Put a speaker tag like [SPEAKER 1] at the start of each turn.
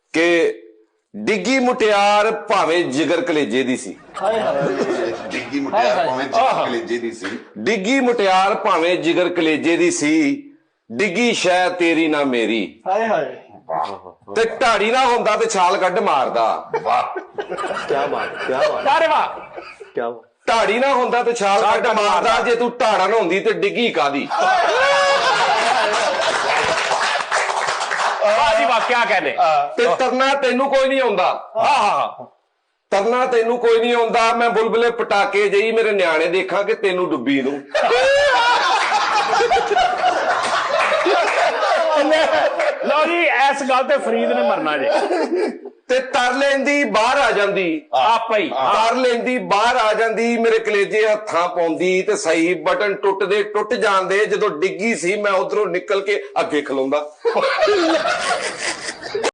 [SPEAKER 1] ਕਿ ਡਿੱਗੀ ਮੁਟਿਆਰ ਭਾਵੇਂ ਜਿਗਰ ਕਲੇਜੇ ਦੀ ਸੀ।
[SPEAKER 2] ਡਿੱਗੀ ਮੁਟਿਆਰ ਭਾਵੇਂ ਜਿਗਰ ਕਲੇਜੇ ਦੀ ਸੀ।
[SPEAKER 1] ਡਿੱਗੀ ਮੁਟਿਆਰ ਭਾਵੇਂ ਜਿਗਰ ਕਲੇਜੇ ਦੀ ਸੀ, ਡਿੱਗੀ ਸ਼ੈ ਤੇਰੀ ਨਾ ਮੇਰੀ।
[SPEAKER 3] ਹਾਏ ਹਾਏ
[SPEAKER 1] ਤੇ ਢਾੜੀ ਨਾ ਹੁੰਦਾ ਤੇ ਛਾਲ ਕੱਢ ਮਾਰਦਾ।
[SPEAKER 2] ਵਾਹ
[SPEAKER 4] क्या बात, क्या बात,
[SPEAKER 3] ਅਰੇ ਵਾਹ
[SPEAKER 4] क्या बात।
[SPEAKER 1] ਢਾੜੀ ਨਾ ਹੁੰਦਾ ਤੇ ਛਾਲ ਕੱਢ ਮਾਰਦਾ, ਜੇ ਤੂੰ ਢਾੜਾ ਨਾ ਹੁੰਦੀ ਤੇ ਡਿੱਗੀ ਕਾਦੀ।
[SPEAKER 3] ਵਾਹ ਜੀ ਵਾਹ ਕਿਆ ਕਹਿੰਦੇ
[SPEAKER 1] ਤੇ ਤਰਨਾ ਤੈਨੂੰ ਕੋਈ ਨਹੀਂ ਆਉਂਦਾ।
[SPEAKER 3] ਹਾਂ
[SPEAKER 1] ਤਰਨਾ ਤੈਨੂੰ ਕੋਈ ਨਹੀਂ ਆਉਂਦਾ। ਮੈਂ ਬੁਲਬੁਲੇ ਪਟਾਕੇ ਜਈ ਮੇਰੇ ਨਿਆਣੇ ਦੇਖਾਂ ਕਿ ਤੈਨੂੰ ਡੁੱਬੀ ਨੂੰ।
[SPEAKER 3] ਲਓ ਜੀ ਇਸ ਗੱਲ ਤੇ ਫਰੀਦ ਨੇ ਮਰਨਾ ਜੇ।
[SPEAKER 1] ਤੇ ਤਰ ਲੈਂਦੀ ਬਾਹਰ ਆ ਜਾਂਦੀ,
[SPEAKER 3] ਆਪਾ ਹੀ
[SPEAKER 1] ਤਰ ਲੈਂਦੀ ਬਾਹਰ ਆ ਜਾਂਦੀ, ਮੇਰੇ ਕਲੇਜੇ ਹੱਥਾਂ ਪਾਉਂਦੀ ਤੇ ਸਹੀ ਬਟਨ ਟੁੱਟਦੇ ਟੁੱਟ ਜਾਂਦੇ। ਜਦੋਂ ਡਿੱਗੀ ਸੀ ਮੈਂ ਉਧਰੋਂ ਨਿਕਲ ਕੇ ਅੱਗੇ ਖਲੋਂਦਾ।